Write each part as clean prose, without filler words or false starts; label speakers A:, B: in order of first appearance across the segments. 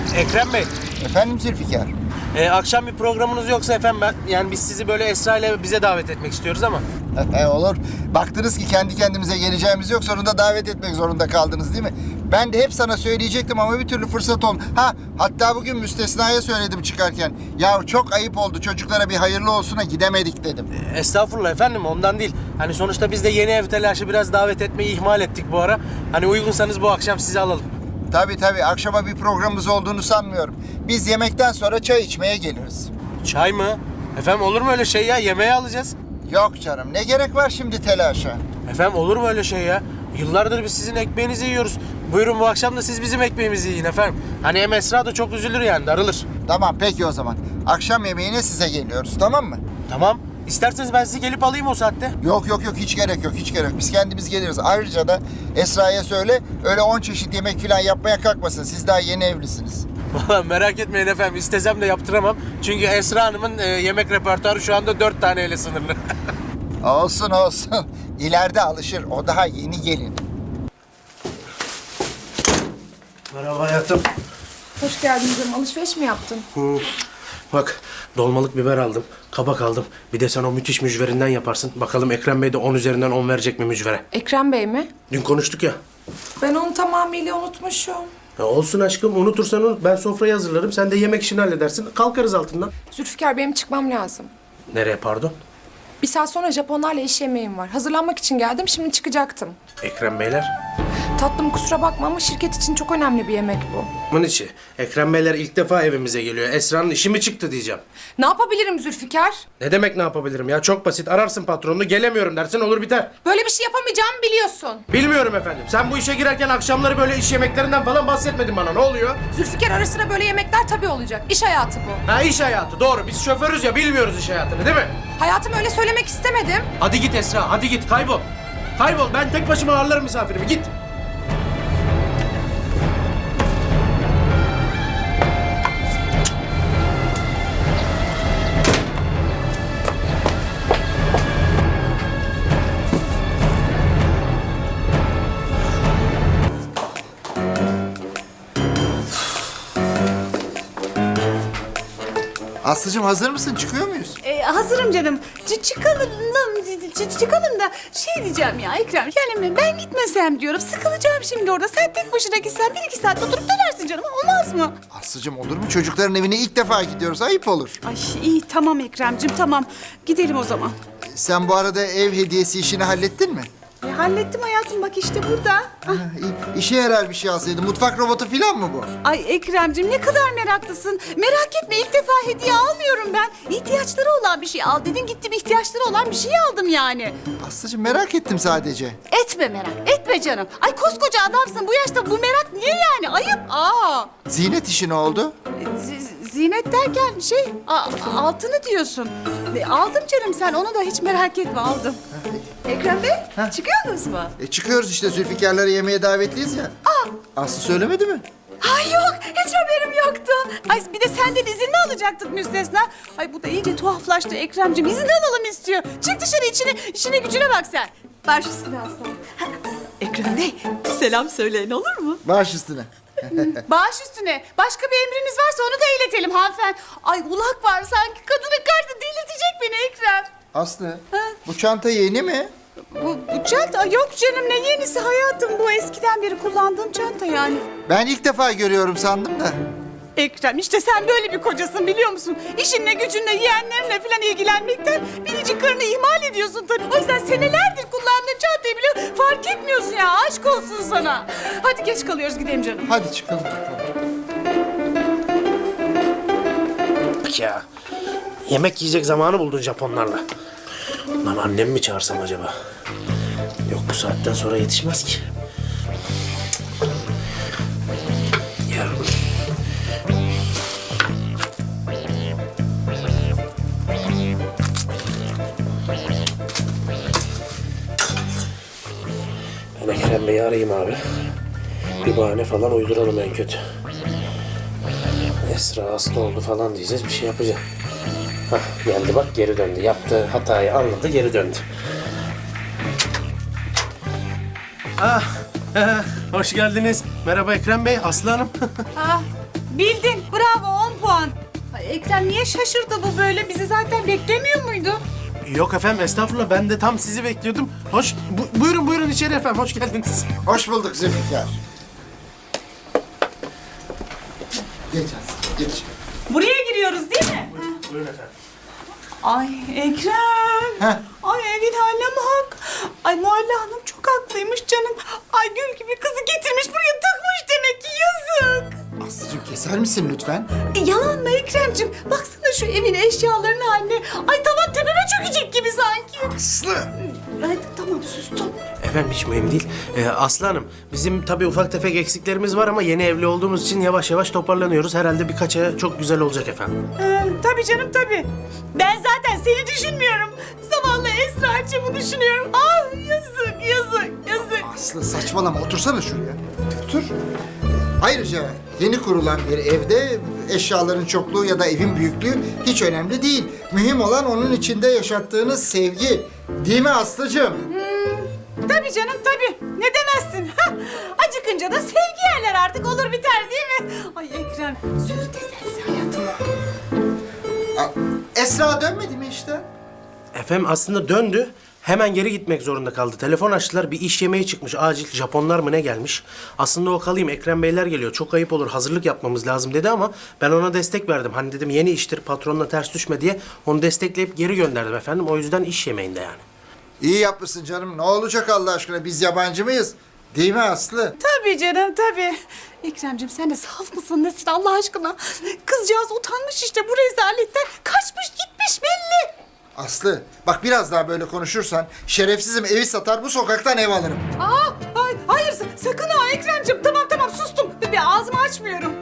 A: Ekrem Bey,
B: Efendim Zülfikar?
A: akşam bir programınız yoksa efendim yani biz sizi böyle Esra ile bize davet etmek istiyoruz ama.
B: Olur. Baktınız ki kendi kendimize geleceğimiz yok. Sonunda davet etmek zorunda kaldınız değil mi? Ben de hep sana söyleyecektim ama bir türlü fırsat olmadı. Hatta bugün Müstesna'ya söyledim çıkarken. Ya çok ayıp oldu. Çocuklara bir hayırlı olsuna gidemedik dedim.
A: Estağfurullah efendim, ondan değil. Hani sonuçta biz de yeni ev telaşı biraz davet etmeyi ihmal ettik bu ara. Hani uygunsanız bu akşam sizi alalım.
B: Tabii. Akşama bir programımız olduğunu sanmıyorum. Biz yemekten sonra çay içmeye geliriz.
A: Çay mı? Efendim olur mu öyle şey ya? Yemeğe alacağız.
B: Yok canım. Ne gerek var şimdi telaşa?
A: Efendim olur mu öyle şey ya? Yıllardır biz sizin ekmeğinizi yiyoruz. Buyurun bu akşam da siz bizim ekmeğimizi yiyin efendim. Hani hem Esra da çok üzülür yani, darılır.
B: Tamam peki o zaman. Akşam yemeğine size geliyoruz, tamam mı?
A: Tamam. İsterseniz ben sizi gelip alayım o saatte.
B: Yok hiç gerek yok. Biz kendimiz geliriz. Ayrıca da Esra'ya söyle öyle 10 çeşit yemek falan yapmaya kalkmasın. Siz daha yeni evlisiniz.
A: Vallahi merak etmeyin efendim, istesem de yaptıramam. Çünkü Esra Hanım'ın yemek repertuarı şu anda 4 taneyle sınırlı.
B: Olsun. İleride alışır. O daha yeni gelin.
A: Merhaba hayatım.
C: Hoş geldin canım. Alışveriş mi yaptın?
A: Bak, dolmalık biber aldım, kabak aldım. Bir de sen o müthiş mücverinden yaparsın. Bakalım Ekrem Bey de 10 üzerinden 10 verecek mi mücvere?
C: Ekrem Bey mi?
A: Dün konuştuk ya.
C: Ben onu tamamıyla unutmuşum.
A: Ya olsun aşkım, unutursan unut. Ben sofrayı hazırlarım, sen de yemek işini halledersin. Kalkarız altından.
C: Zülfikar, benim çıkmam lazım.
A: Nereye pardon?
C: Bir saat sonra Japonlarla iş yemeğim var. Hazırlanmak için geldim, şimdi çıkacaktım.
A: Ekrem Beyler.
C: Tatlım, kusura bakma ama şirket için çok önemli bir yemek bu.
A: Bunun içi. Ekrem Beyler ilk defa evimize geliyor. Esra'nın işi mi çıktı diyeceğim.
C: Ne yapabilirim Zülfikar?
A: Ne demek ne yapabilirim ya? Çok basit. Ararsın patronunu, gelemiyorum dersin, olur biter.
C: Böyle bir şey yapamayacağımı biliyorsun.
A: Bilmiyorum efendim. Sen bu işe girerken akşamları böyle iş yemeklerinden falan bahsetmedin bana. Ne oluyor?
C: Zülfikar, ara sıra böyle yemekler tabii olacak. İş hayatı bu.
A: Ha, iş hayatı. Doğru. Biz şoförüz ya, bilmiyoruz iş hayatını değil mi?
C: Hayatım, öyle söylemek istemedim.
A: Hadi git Esra. Hadi git. Kaybol. Kaybol. Ben tek başıma ağırlarım misafirimi. Git.
B: Aslıcığım hazır mısın? Çıkıyor muyuz?
D: Hazırım canım. Çıkalım da şey diyeceğim ya Ekrem. Yani ben gitmesem diyorum. Sıkılacağım şimdi orada. Sen tek başına gitsen 1-2 saat oturup dönersin canım. Olmaz mı?
B: Aslıcığım olur mu? Çocukların evine ilk defa gidiyoruz. Ayıp olur.
D: Ay iyi tamam Ekrem'cim tamam. Gidelim o zaman.
B: Sen bu arada ev hediyesi işini hallettin mi?
D: Hallettim hayatım bak işte burada. Ah.
B: İyi. İşe yarar bir şey alsaydın. Mutfak robotu falan mı bu?
D: Ay Ekrem'cim ne kadar meraklısın. Merak etme ilk defa hediye almıyorum ben. İhtiyaçları olan bir şey al dedin gittim ihtiyaçları olan bir şey aldım yani.
B: Aslıcığım merak ettim sadece.
D: Etme merak etme canım. Ay koskoca adamsın bu yaşta bu merak niye yani ayıp.
B: Zinet işi ne oldu?
D: Zinet derken altını diyorsun. Aldım canım sen onu da hiç merak etme aldım. Ekrem Bey çıkıyorsunuz mu?
B: Çıkıyoruz işte Zülfikar'ları yemeğe davetliyiz ya. Aslı söylemedi mi?
D: Ay yok hiç haberim yoktu. Ay bir de senden izin mi alacaktık müstesna? Ay bu da iyice tuhaflaştı Ekrem'cim izin alalım istiyor. Çık dışarı işine gücüne bak sen. Baş üstüne aslan. Ekrem Bey selam söyleyin olur mu?
B: Baş üstüne.
D: Baş üstüne. Başka bir emriniz varsa onu da iletelim hanımefendi. Ay ulak var sanki kadının karşı delirtecek beni Ekrem.
B: Aslı bu çanta yeni mi?
D: Bu çanta yok canım ne yenisi hayatım bu eskiden beri kullandığım çanta yani.
B: Ben ilk defa görüyorum sandım da.
D: Ekrem işte sen böyle bir kocasın biliyor musun? İşinle gücünle yeğenlerinle falan ilgilenmekten biricik karını ihmal ediyorsun tabii. O yüzden senelerdir kullandığın çantayı bile fark etmiyorsun ya aşk olsun sana. Hadi geç kalıyoruz gidelim canım.
B: Hadi çıkalım.
A: Ya. Yemek yiyecek zamanı buldun Japonlarla. Lan annemi mi çağırsam acaba? Yok bu saatten sonra yetişmez ki. Ya. Ben Ekrem Bey'i arayayım abi. Bir bahane falan uyduralım en kötü. Esra hasta oldu falan diyeceğiz, bir şey yapacağız. Hah, geldi bak geri döndü. Yaptığı hatayı anladı, geri döndü. Hoş geldiniz. Merhaba Ekrem Bey, Aslı Hanım.
D: Bildin. Bravo 10 puan. Ay Ekrem niye şaşırdı bu böyle? Bizi zaten beklemiyor muydu?
A: Yok efendim estağfurullah ben de tam sizi bekliyordum. Buyurun buyurun içeri efendim hoş geldiniz.
B: Hoş bulduk Zülfikar. Geç Aslı, geç.
D: Buraya giriyoruz değil mi?
A: Buyurun efendim.
D: Ay Ekrem.
B: Heh.
D: Ay evin haline bak. Ay Muhalle Hanım çok haklıymış canım. Ay gül gibi kızı getirmiş buraya tıkmış demek ki yazık.
B: Aslıcığım keser misin lütfen?
D: Yalan mı Ekrem'cim? Baksana şu evin eşyalarının haline. Ay tavan tepeme çökecek gibi sanki.
B: Aslı!
D: Ay tamam sustum.
A: Efendim hiç mühim değil. Aslı Hanım bizim tabii ufak tefek eksiklerimiz var ama yeni evli olduğumuz için yavaş yavaş toparlanıyoruz. Herhalde birkaç aya çok güzel olacak efendim.
D: Tabii canım tabii. Ben zaten seni düşünmüyorum. Zavallı Esra'cığımı düşünüyorum. Ah yazık yazık yazık.
B: Aslı saçmalama, otursana şuraya. Otur. Ayrıca yeni kurulan bir evde eşyaların çokluğu ya da evin büyüklüğü hiç önemli değil. Mühim olan onun içinde yaşattığınız sevgi. Değil mi Aslıcığım?
D: Tabii canım tabii. Ne demezsin? Hah, acıkınca da sevgi yerler artık olur biter değil mi? Ay Ekrem züğürt eserse hayatıma.
B: Esra dönmedi mi işte?
A: Efendim aslında döndü. Hemen geri gitmek zorunda kaldı. Telefon açtılar. Bir iş yemeği çıkmış. Acil Japonlar mı ne gelmiş? Aslında o kalayım. Ekrem Beyler geliyor. Çok ayıp olur. Hazırlık yapmamız lazım dedi ama ben ona destek verdim. Hani dedim yeni iştir. Patronla ters düşme diye onu destekleyip geri gönderdim efendim. O yüzden iş yemeğinde yani.
B: İyi yapmışsın canım. Ne olacak Allah aşkına? Biz yabancı mıyız? Değil mi Aslı?
D: Tabii canım tabii. Ekrem'cim sen de saf mısın nesin Allah aşkına? Kızcağız utanmış işte bu rezaletten. Kaçmış gitmiş belli.
B: Aslı bak biraz daha böyle konuşursan şerefsizim evi satar bu sokaktan ev alırım.
D: Hayır sakın ha Ekrem'cim. Tamam sustum. Bir ağzımı açmıyorum.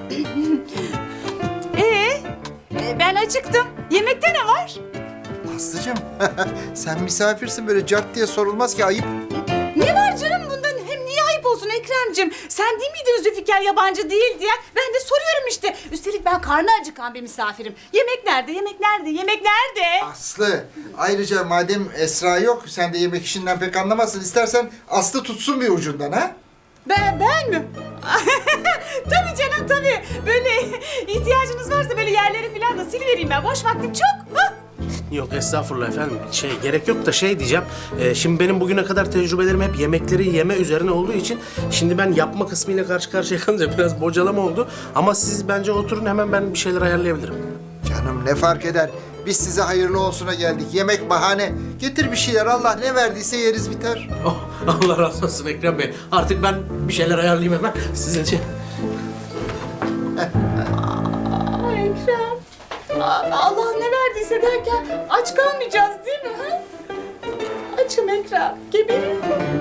D: Ben acıktım. Yemekte ne var?
B: Aslıcığım sen misafirsin böyle cart diye sorulmaz ki ayıp.
D: Ne var canım bundan? Hem niye ayıp olsun Ekrem'cim? Sen değil miydin Zülfikar yabancı değil diye? Ben de soruyorum işte. Üstelik ben karnı acıkan bir misafirim. Yemek nerede? Yemek nerede? Yemek nerede?
B: Aslı ayrıca madem Esra yok sen de yemek işinden pek anlamazsın. İstersen Aslı tutsun bir ucundan ha?
D: Ben mi? Tabii canım tabii. Böyle ihtiyacınız varsa böyle yerleri falan da silivereyim ben. Boş vaktim çok. Ha?
A: Yok estağfurullah efendim. Gerek yok da diyeceğim. Şimdi benim bugüne kadar tecrübelerim hep yemekleri yeme üzerine olduğu için şimdi ben yapma kısmıyla karşı karşıya kalınca biraz bocalama oldu. Ama siz bence oturun hemen ben bir şeyler ayarlayabilirim.
B: Canım ne fark eder? Biz size hayırlı olsuna geldik. Yemek bahane. Getir bir şeyler Allah ne verdiyse yeriz biter.
A: Oh, Allah razı olsun Ekrem Bey. Artık ben bir şeyler ayarlayayım hemen sizin için.
D: Ay Ekrem. Allah ne verdiyse derken aç kalmayacağız değil mi? Ha? Açım Ekrem. Geberiyorum.